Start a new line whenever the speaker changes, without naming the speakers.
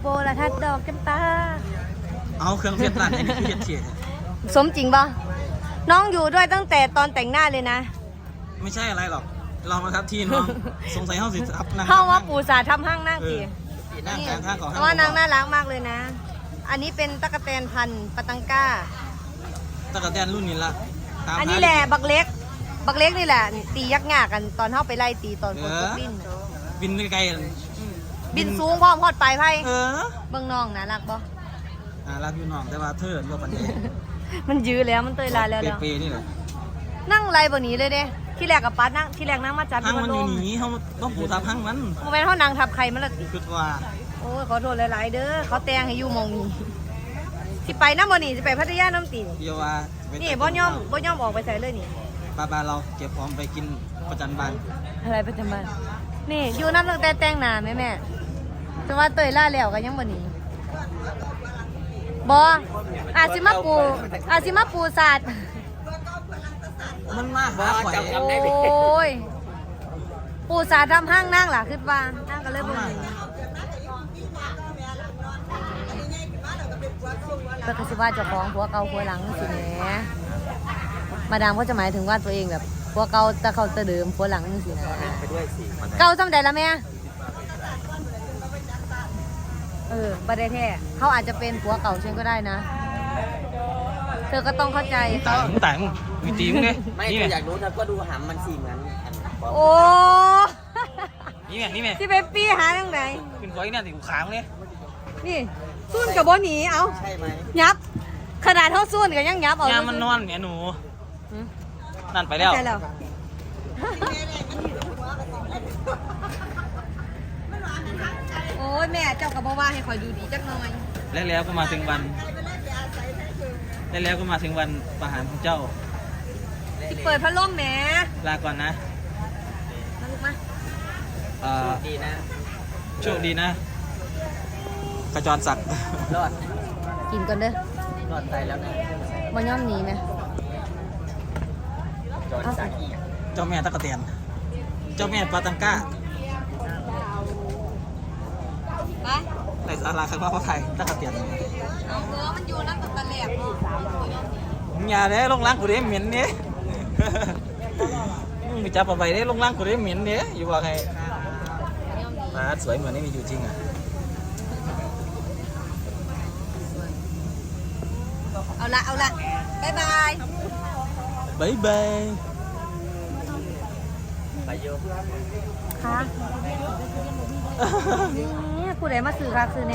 โบราทัดดอกจำปา
เอาเครื่องเพชรร้านนี้คือเฮ็ดเทียด
สมจริงป่ะน้องอยู่ด้วยตั้งแต่ตอนแต่งหน้าเลยนะ
ไม่ใช่อะไรหรอกเรามาครับที่น้องสงสัยเฮาสิทับนั่ง
เข้าว่าปูสาทำห้างนั่งตี
นั่งกลางข้างของ
เพราะว่านางน่ารักมากเลยนะ อันนี้เป็นตะกะแตนพันธุ์ปะตังก้า
ตะกะแตนรุ่นนี้ละตาม
อันนี้แหละบักเล็กนี่แหละตียักษ์งากันตอนเข้าไปไล่ตีตอนคนตกดิน
บินไกลๆ
บินสูงพร้อมฮอดปลายไพ่
เออ
เบิ่งน้องนะรักบ่
รักอยู่น้องแต่ว่าเธอบ่ปานใด
มันยื้อแล้วมันเตยลายแล้ว
เปย์นี่แหละ
นั่งไรบ่หนีเลยเด้ที่แรกกับปัดนั่งที่แรกนั่งมาจัด
พังมันอยู่
โด
หนีเฮาต้องปูทับพังมัน
โมเมนต์เขานางทับใครมันละติ
คิดว่า
โอ้ยขอโทษหลายๆเด้อเขาแต่งให้อยู่หมองนี้สิไปน้ำบ่นี่สิไปพัทยาน้ำตี
เดียวว่า
นี่บ่ยอมออกไปใส่เลยนี่
บาเราเก็บของไปกินประจันบาน
อะไรประจำบ้านนี่อยู่น้ำตั้งแต่แต่งหน้าแม่แต่ว่าเตยล่าแล้วก็ยังบ่หนีบ่อาจสิมาปูศาสตร์
มันมาหาข่อย
โอ้ยปูศาสตร์ทำห้างนั่งล่ะคิดว่านั่งก็เลยบ่หนีก็คือสิว่าเจ้าของผัวเก่าผัวหลังสิแหมมาดามเขาจะหมายถึงว่าตัวเองแบบผัวเก่าแต่เขาจะเดิมผัวหลังสินะ
ไปด้วยสิ
เก่าจำได้ละแม่บัดได้แท้เขาอาจจะเป็นผัวเก่าเช่นก็ได้นะ เธอก็ต้องเข้าใจ
ต่างวิตีมึงเนี่ย
ไม่
นี่
ถ้า
ไง
อยากรู้เธอก็ดูหำมันสิเหมือนอัน
โอ้
นี่ไงนี่ไง
ที่เปปปี้หาทางไหน
ขึ้นไฟเนี่ยติดขางเนี่ย
นี่ซุ่นกับบ่หนีเอา
ใช่ไหม
ยับ ขนาดเท่าซุ่นกับยังยับเอา
ยามมันนอนเนี่ยหนู
หืม
นั่นไปแล้ว
ใช่แล้วโอ้ยแม่เจ้ากับบ่ว่าให้คอยดูดีจักหน่อย
แล้วก็มาถึงวันแล้วก็มาถึงวันประหารของเจ้า
สิเปิดพัดลมแหม
ลาก่อนนะ
มาลูกมา
ดีนะ
โชคดีนะขจรศักดิ์
รอด
กินก่อนเด้อ
รอดตายแล้วนะ
บ่ย่อมหนีไหม
จอดสักอีก
เจ้าแม่ตะกะเตียนเจ้าแม่ปาตังก้า
ไป
ในสาราข้างนอกพระไทยตะกะเตียน
เอาเออมันอยู่นั่นตั้งแต่แรกเนาะบ่ย่อมหนี
มึงอย่าเด้ลงล้างกูเด้เหม็นเนี่ยมึงไปจับเอาไปเด้ลงล้างกูเด้เหม็นเนี่ยอยู่ว่าไง
บ่ย่อมหนี
มาสวยเหมือนนี่มีอยู่จริงอ่ะ
เอาละบ๊ายบาย
บ๊ายบาย
ไปโย
ค่ะนี่ผู้ใดมาซื้อค่ะซื้อ